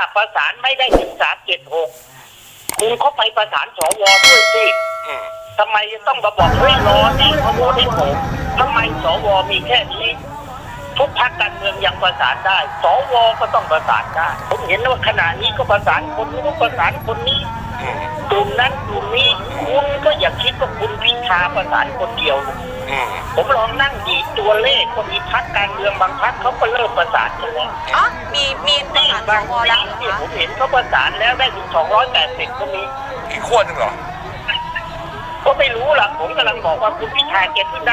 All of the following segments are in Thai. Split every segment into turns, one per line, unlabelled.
ประสานไม่ได้ถึง376คุณก็ไปประสานสวด้วยสิทำไมจะต้องมาบอกเฮ้ยรอนี่เขาโหวตให้ผมทำไมสวมีแค่นี้ทุกพรรคการเมืองยังประสานได้สวก็ต้องประสานได้ผมเห็นว่าขณะนี้ก็ประสานคนนู้นประสานคนนี้กลุ่มนั้นกลุ่มนี้คุณก็อย่าคิดว่าคุณพิธาประสานคนเดียวผมลองนั่งดีตัวเลขก็มีพรรคการเมืองบางพรรคเขาก็เริ่มประสานกันแล้ว
อ๋อมีประสานสวแล้ว
เนี่ยผมเห็นเขาประสานแล้วได้ถึง280ก็มี
อีกขั้วหนึ่งเหรอ
ก็ไม่รู้ล่ะผมกำลังบอกว่าคุณพิธาแกขึ้นได้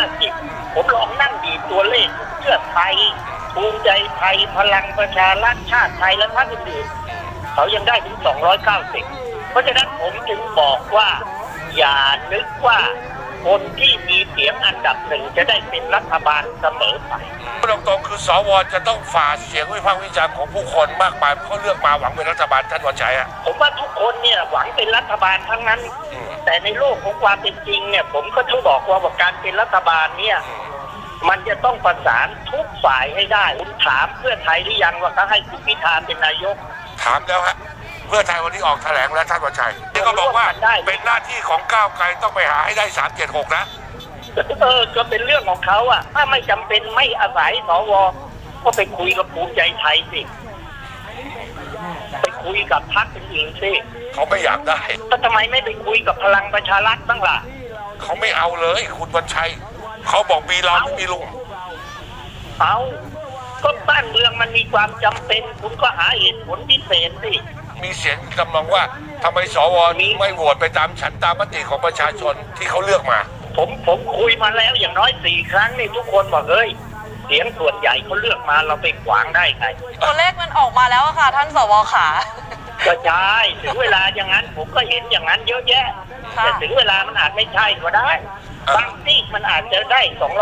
150ผมลองนั่งดีตัวเลขเพื่อไทยภูมิใจไทยพลังประชารัฐชาติไทยและพรรคอื่นๆเขายังได้ถึง290เพราะฉะนั้นผมจึงบอกว่าอย่านึกว่าคนที่มีเสียงอันดับหนึ่งจะได้เป็นรัฐบาลเสมอไป
ตรงๆคือสวจะต้องฝ่าเสียงวิพากษ์วิจารณ์ของผู้คนมากมายเพราะเลือกมาหวังเป็นรัฐบาลท่านวันชัยอะ
ผมว่าทุกคนเนี่ยหวังเป็นรัฐบาลทั้งนั้นแต่ในโลกของความเป็นจริงเนี่ยผมก็ต้องบอกว่าการเป็นรัฐบาลเนี่ยมันจะต้องประสานทุกฝ่ายให้ได้คุณถามเพื่อไทยหรือยังว่าเขาให้คุณพิธาเป็นนายก
ถามแล้วฮะเพื่อไทยวันนี้ออกแถลงแล้วท่านวันชัยที่ก็บอกว่าเป็นหน้าที่ของก้าวไกลต้องไปหาให้ได้376นะ
ก็เป็นเรื่องของเขาอะถ้าไม่จำเป็นไม่อาศัยสวก็ไปคุยกับภูมิใจไทยสิไปคุยกับพรรคอื่นๆสิ
เขาไม่อยากได้
ทำไมไม่ไปคุยกับพลังประชารัฐบ้างล่ะ
เขาไม่เอาเลยคุณวันชัยเขาบอกมีเราไม่มีลุง
เอาก็บ้านเมืองมันมีความจำเป็นคุณก็หาเหตุผลพิเศษสิ
มีเสียงกำลังว่าทำไมสวนี้ไม่โหวตไปตามฉันตามมติของประชาชนที่เขาเลือกมา
ผมคุยมาแล้วอย่างน้อย4 ครั้งนี่ทุกคนบอกเฮ้ยเสียงส่วนใหญ่เขาเลือกมาเราไปขวางได้ไง
ตัวเลขมันออกมาแล้วค่ะท่านสวขา
ก็ใช่ถึงเวลาอย่างนั้นผมก็เห็นอย่างนั้นเยอะแยะแต่ถึงเวลามันอาจไม่ใช่ก็ได้บางที่มันอาจจะได้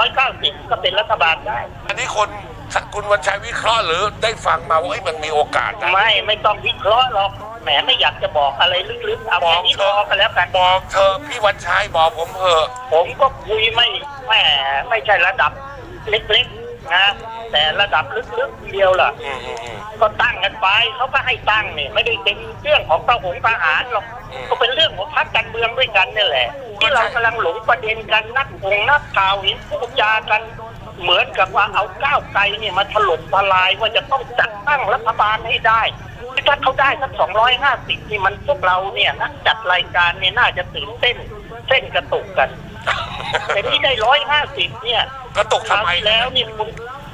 290ก็เป็นรัฐบาลได้
อันนี้คุณวันชัยวิเคราะห์หรือได้ฟังมาว่ามันมีโอกาสนะ
ไม่ต้องวิเคราะห์หรอกแหมไม่อยากจะบอกอะไรลึกๆเอาแค่นี้พอกันแล้วกัน
บอกเธอพี่วันชัยบอกผมเถอะ
ผมก็คุยไม่ใช่ระดับเล็กๆนะแต่ระดับลึกๆเดียวล่ะก็ตั้งกันไปเขาก็ให้ตั้งเนี่ยไม่ได้เป็นเรื่องของทหารหรอกก็เป็นเรื่องของพรรคการเมืองด้วยกันนี่แหละที่เรากำลังหลงประเด็นกันนักข่าวเห็นพูดจากันเหมือนกับว่าเอาก้าวไกลเนี่ยมาถล่มทลายว่าจะต้องจัดตั้งรัฐบาลให้ได้ถ้าเขาได้สัก250นี่มันพวกเราเนี่ยนักจัดรายการเนี่ยน่าจะตื่นเต้นเส้นกระตุกกันแต่ที่ได้150เนี่ย
กระตุกทำไม
แล้วนี่คุณ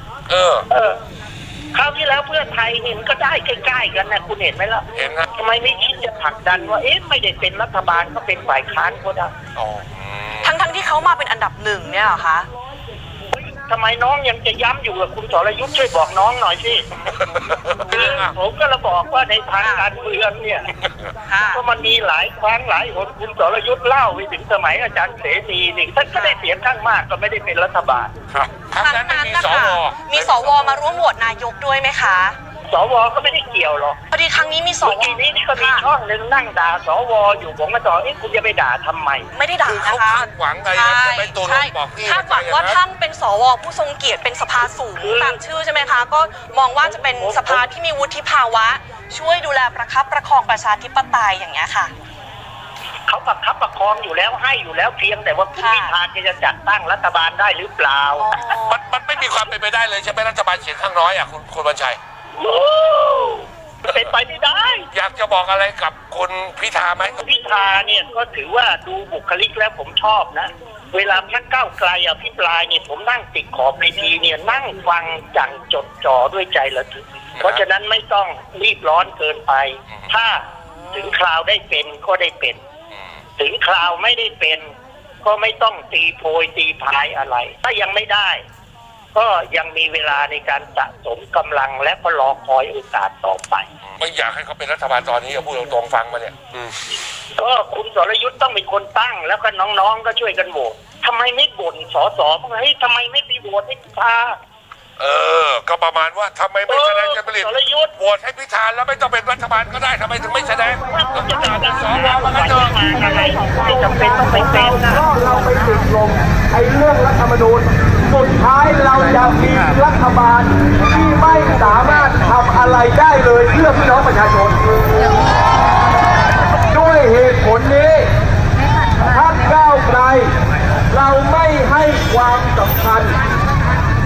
คราวที่แล้วเพื่อไทยเนี่ยมันก็ได้ใกล้ๆกันนะคุณเห็นไหมล่ะ
เห็นครับ
ทำไมไม่คิดจะผลักดันว่าไม่ได้เป็นรัฐบาลก็เป็นฝ่ายค้านก็ได้
ทั้งที่เขามาเป็นอันดับ1เนี่ยเหรอคะ
ทำไมน้องยังจะย้ำอยู่กับคุณสรยุทธ์ช่วยบอกน้องหน่อยสิผมก็ระบอกว่าในทางการเมืองเนี่ยก็มันมีหลายครั้งหลายหนคุณสรยุทธ์เล่าไปถึงสมัยอาจารย์เสรีนี่ท่านก็ได้เสียงข้างมากก็ไม่ได้เป็นรัฐบาล
ครับครั้งนั้น
มีสวมาร่วมโหวตนายกด้วยไหมคะ
สวก็ไม่ได้เกี่ยวหรอก
พอดีครั้งนี้มีสว
ทีนี้ก็มีช่องนึงนั่งด่าสวอยู่ผมก็ต่อคุณจะไปด่าทำไม
ไม่ได้ด่านะคะ
คาดหวังไงจะไปตัวบอกพี่
คาดหวังว่าท่านเป็นสวผู้ทรงเกียรติเป็นสภาสูงตามชื่อใช่ไหมคะก็มองว่าจะเป็นสภาที่มีวุฒิภาวะช่วยดูแลประคับประคองประชาธิปไตยอย่างเงี้ยค่ะ
เขาประคับประคองอยู่แล้วให้อยู่แล้วเพียงแต่ว่าคุณพิธาจะจัดตั้งรัฐบาลได้หรือเปล่า
มันไม่มีความเป็นไปได้เลยใช่ไหมรัฐบาลเสียงข้างน้อยคุณวันชัย
เป็นไปไม่ได้
อยากจะบอกอะไรกับคุณพิธาไหม
พิธาเนี่ยก็ถือว่าดูบุคลิกแล้วผมชอบนะเวลาพรรคก้าวไกลอภิปรายเนี่ยผมนั่งติดขอบเวทีเนี่ยนั่งฟังจังจดจ่อด้วยใจระทึกเพราะฉะนั้นไม่ต้องรีบร้อนเกินไปถ้าถึงคราวได้เป็นก็ได้เป็นถึงคราวไม่ได้เป็นก็ไม่ต้องตีโพยตีพายอะไรถ้ายังไม่ได้ก็ยังมีเวลาในการสะสมกำลังและก็รอคอยโอกาสต่อไป
ไม่อยากให้เขาเป็นรัฐบาลตอนนี้พูดตรงๆฟังมาเนี่ย
ก็คุณสรยุทธ์ต้องเป็นคนตั้งแล้วก็น้องๆก็ช่วยกันโหวตทำไมไม่บ่นสสเฮ้ยทำไมไม่ไปโหวตให้พิธา
ก็ประมาณว่าทำไมไม่แสดงจะผลิตโหวตให้พิธาแล้วไม่ต้องเป็นรัฐบาลก็ได้ทำไมถึงไม่แสดง
ต้องจะเป็นสวมาก็เจอมาอะไรไม่จำเป็นต้องไปเป็นนะ
เราไปติดลมไอ้เรื่องรัฐธรรมนูญสุดท้ายเราจะมีรัฐบาลที่ไม่สามารถทำอะไรได้เลยเพื่อพี่น้องประ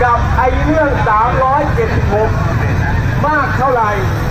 กับไอ้เรื่อง 376 มากเท่าไหร่